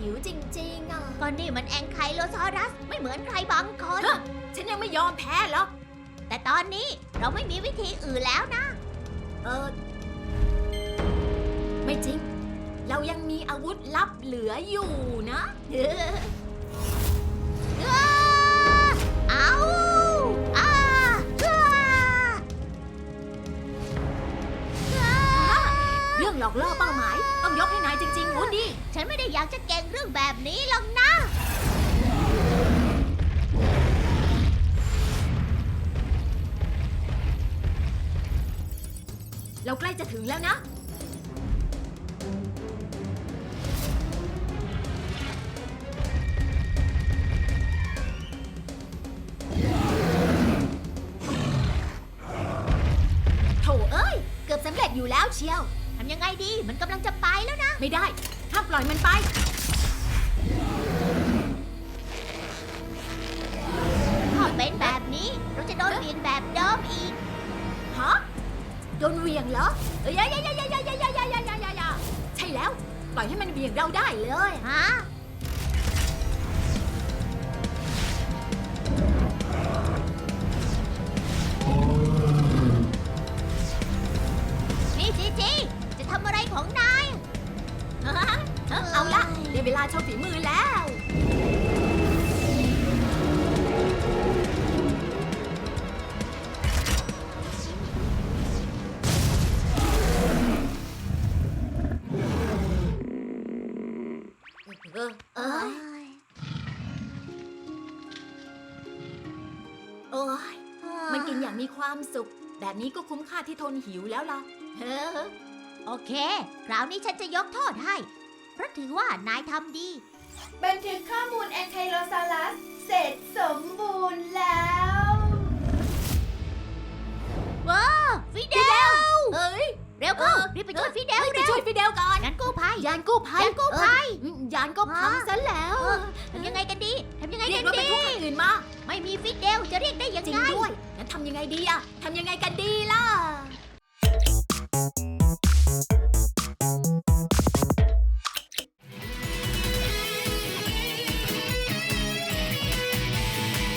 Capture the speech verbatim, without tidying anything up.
หิวจริงๆอ่ะก็นี่มันแองไคโลซอรัสไม่เหมือนใครบางคนฮะ ฉันยังไม่ยอมแพ้หรอกแต่ตอนนี้เราไม่มีวิธีอื่นแล้วนะเออ ไม่จริง เรายังมีอาวุธลับเหลืออยู่นะเอาอาอ้าอ้าเรื่องหลอกล่อเป้าหมาย ต้องยกให้นายจริงๆวูดดี้ฉันไม่ได้อยากจะเก่งเรื่องแบบนี้หรอกนะเราใกล้จะถึงแล้วนะ โถเอ้ย เกือบสำเร็จอยู่แล้วเชียวทำยังไงดีมันกำลังจะไปแล้วนะไม่ได้ ห้ามปล่อยมันไปถ้าเป็นแบบนี้เราจะโดนเบียนแบบเดิมอีกฮะ โดนเหวียงเหรอ เอ้ยยายายายายายายายายายายาใช่แล้ว ปล่อยให้มันเหวียงเราได้เลยฮะ นี่จีจีจะทำอะไรของนายเอาละได้เวลาโชว์ฝีมือแล้ว เออเออโอ้ยมันกินอย่างมีความสุข แบบนี้ก็คุ้มค่าที่ทนหิวแล้วล่ะเออโอเค คราวนี้ฉันจะยกโทษให้ เพราะถือว่านายทำดีบันทึกข้อมูลแอนไคโลซาลัสเสร็จสมบูรณ์แล้วว้าฟิเดลเอ้ยเร็วเข้าเออรีบไปช่วยฟิเดลเฮ้ยไปเร็วช่วยฟิเดลก่อนงั้นกู้ภัยยานกู้ภัยยานกู้ภัยเออยานก็พังซะแล้วเออทำยังไงกันดีทำยังไงเรียกักนรถบรรดีทุกคันอื่นมาไม่มีฟิเดลจะเรียกได้ยังจริงไงด้วยงั้นทำยังไงดีอะทำยังไงกัน